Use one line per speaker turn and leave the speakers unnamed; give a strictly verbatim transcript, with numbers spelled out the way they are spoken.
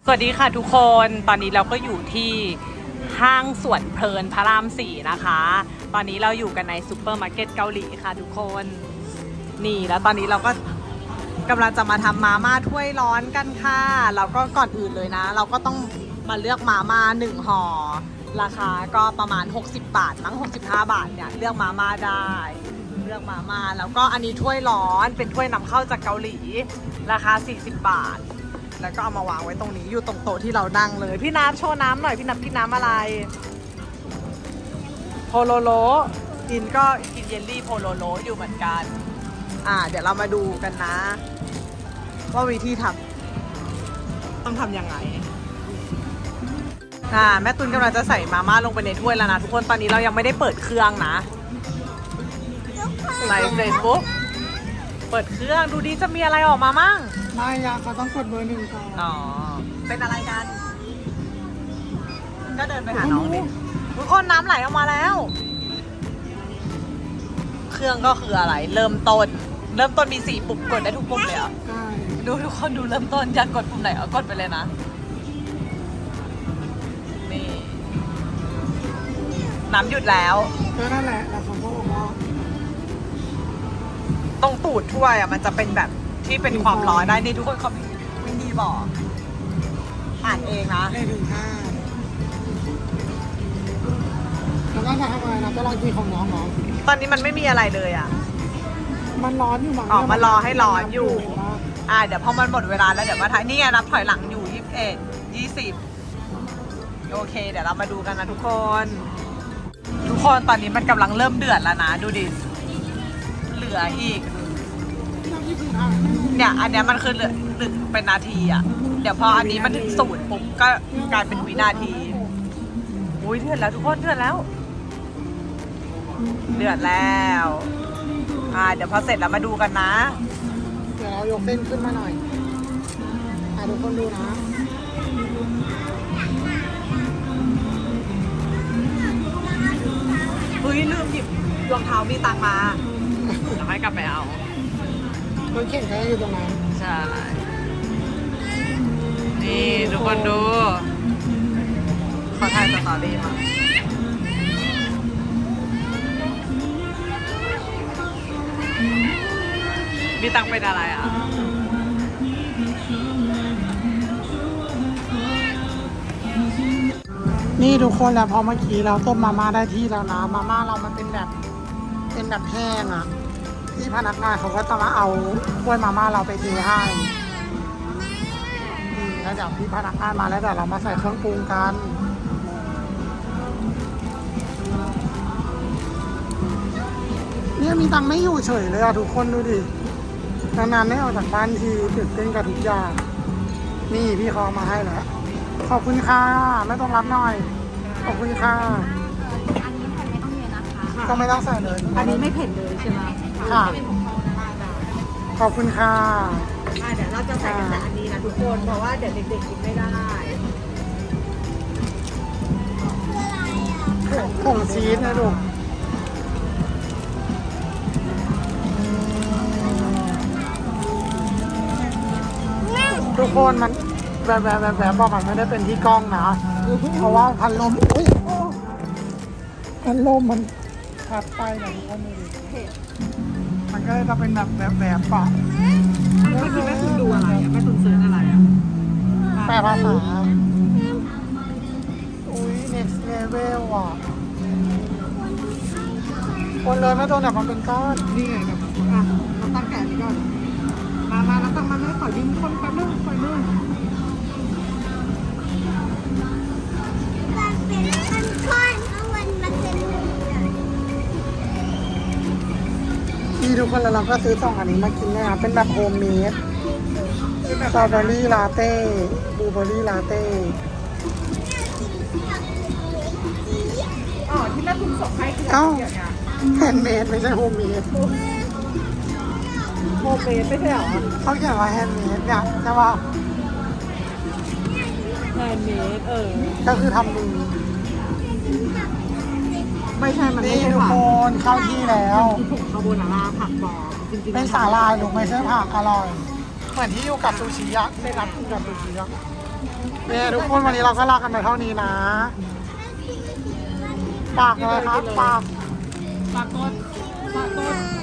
สวัสดีค่ะทุกคนตอนนี้เราก็อยู่ที่ห้างสวนเพลินพระรามสี่นะคะตอนนี้เราอยู่กันในซูเปอร์มาร์เก็ตเกาหลีค่ะทุกคนนี่แล้วตอนนี้เราก็กำลังจะมาทำมาม่าถ้วยร้อนกันค่ะเราก็ก่อนอื่นเลยนะเราก็ต้องมาเลือกมาม่าหนึ่งห่อราคาก็ประมาณหกสิบบาทมั้งหกสิบห้าบาทเนี่ยเลือกมาม่าได้เลือกมาม่าแล้วก็อันนี้ถ้วยร้อนเป็นถ้วยนำเข้าจากเกาหลีราคาสี่สิบบาทแล้วก็เอามาวางไว้ตรงนี้อยู่ตรงโต๊ะที่เรานั่งเลยพี่น้ำโชว์น้ำหน่อยพี่น้ำพี่น้ำอะไรโพโลโลกินก็กินเยลลี่โพโลโลอยู่เหมือนกันอ่าเดี๋ยวเรามาดูกันนะว่าวิธีทำต้องทำยังไงอ่าแม่ตุนกำลังจะใส่มาม่าลงไปในถ้วยแล้วนะทุกคนตอนนี้เรายังไม่ได้เปิดเครื่องนะใส่เสร็จปุ๊บเปิดเครื่องดูดิจะมีอะไรออกมามั่ง
ไม่ยาเขาต้องกดเบอร์หนึ่งก่อน
อ๋อเป็นอะไรกันก็เดินไปหาน้องดิทุกคนน้ำไหลออกมาแล้วเครื่องก็คืออะไรเริ่มต้นเริ่มต้นมีสี่ปุ่มกดได้ทุกปุ่มเลยเหรอ
ใช่
ดูทุกคนดูเริ่มต้นอยากกดปุ่มไหนเอากดไปเลยนะนี่น้ำหยุดแล้ว
ก็นั่นแหละแล้วเขาก็บอกว่า
ตรงตูดถ้วยอ่ะมันจะเป็นแบบที่เป็นความร้อนได้นี่ทุกคนเขาวินดีบอกอ่านเองนะ
ได้ถึงห้าแล้วก็จะทำอะไรนะจะลองกินของน้องน้อง
ตอนนี้มันไม่มีอะไรเลยอ่ะ
มันร้อนอยู่มั้ง
อ๋อมารอให้ร้อนอยู่อ่าเดี๋ยวพอมันหมดเวลาแล้วเดี๋ยวมาถ่ายนี่ไงนับถอยหลังอยู่ยี่สิบเอ็ดยี่สิบโอเคเดี๋ยวเรามาดูกันนะทุกคนทุกคนตอนนี้มันกำลังเริ่มเดือดแล้วนะดูดิเหลืออีกเนี่ยอันเนี้ยมันคือเหลือหนึ่งเป็นนาทีอ่ะเดี๋ยวพออันนี้มันถึงศูนย์ปุ๊บก็กลายเป็นวินาทีอุ้ยเดือดแล้วทุกคนเดือดแล้วเดือดแล้วอ่าเดี๋ยวพอเสร็จแล้วมาดูกันนะ
เดี๋ยวเรายกเส้นขึ้นมาหน่อยอ่ะทุกคนดูนะ
เฮ้ยลืมหยิบรองเท้ามีตังมาเดี๋ยวให้กลับไปเอา
รถเข็นก็อยู่ตรงนั้น
ใช่นี่ทุกคนดูขอถ่ายสตอรี่มามีตังเป็นอะไรอ่ะ
นี่ทุกคนแล้วพอเมื่อกี้เราต้มมาม่าได้ที่แล้วนะมาม่าเรามันเป็นแบบเป็นแบบแห้งอ่ะที่พนักงานเขาก็จะมาเอาถ้วยมาม่าเราไปเทให้แล้วเดี๋ยวพี่พนักงานมาแล้วเดี๋ยวเรามาใส่เครื่องปรุงกันเนี่ยมีตังไม่อยู่เฉยเลยอะทุกคนดูดินานๆไม่ออกจากบ้านทีตื่นเต้นกับทุกอย่างนี่พี่เขามาให้แล้วขอบคุณค่ะไม่ต้องรับหน่อยขอบคุณค่ะ
อันนี้แผ่นไม่ต้องเยอะนะคะ
ก็ไม่ต้องใส่เลย
อันนี้ไม่เผ็ดเลยใช่ไหม
ค่ะขอบคุณค่ะ
เดี๋ยวเราจะใส่แต่อันนี้นะทุกคนเพราะว่าเดี๋ยวเด็กๆกินไม่ได้
ผงชีสนะลูกทุกคนมันแบบแบบแบบแบบบอกมันไม่ได้เป็นที่กล้องนะเพราะว่าพันลมอุ้ยพันลมมันพัดไปนะทุกคนดูดิมันก็จะเป็นแบบแบบแบบปะ
แม่คุณแม่คุณดูอะไรอ่ะแม่คุณซื้ออะไรอ่ะ
แปลภาษาอุ้ย next level อ่ะคนเลยไม่โดนแบบมันเป็นก้อน
นี่ไงครับอ่ะเราตั้งแกะนี้ก่อนมามาแล้วตั้งมาแล้วขอยืมคนแป๊บนึงขอนึง
มันเป็นก้อนๆเพราะมันมันเป็น
นี่ทุกคนแล้วเราก็ซื้อสองอันนี้มากินนะครับเป็นแบบโฮมเมดสตรอเบอรี่ลาเต้บลูเบอรี่ลาเต้
อ๋อที่แม่คุณส่งให้คือ
เอ้าแฮนด์เมดไม่ใช่โฮมเมด
โมเมนไม่ใช่หรอ
เขาเขียนว่าแฮนด์เมดเนี่ยใช่ป่ะ
แฮนด์เมดเออ
ก็คือทำมือ
ไม่ใช่มันไม่
นี่
ใช่
ทุกคนเข้าที่แล้ว
ผงคาโบนาร่าผักบอจริงๆ
เป็นสาลายหรือไม่ใช่ผักอร่อยเหมือนที่อยู่กับซูชิยะได้รับกินกับซูชิยะเนี่ยทุกคนวันนี้เราก็ลากันไปเท่านี้นะฝากอะไรครับฝาก
ฝากกดฝากกด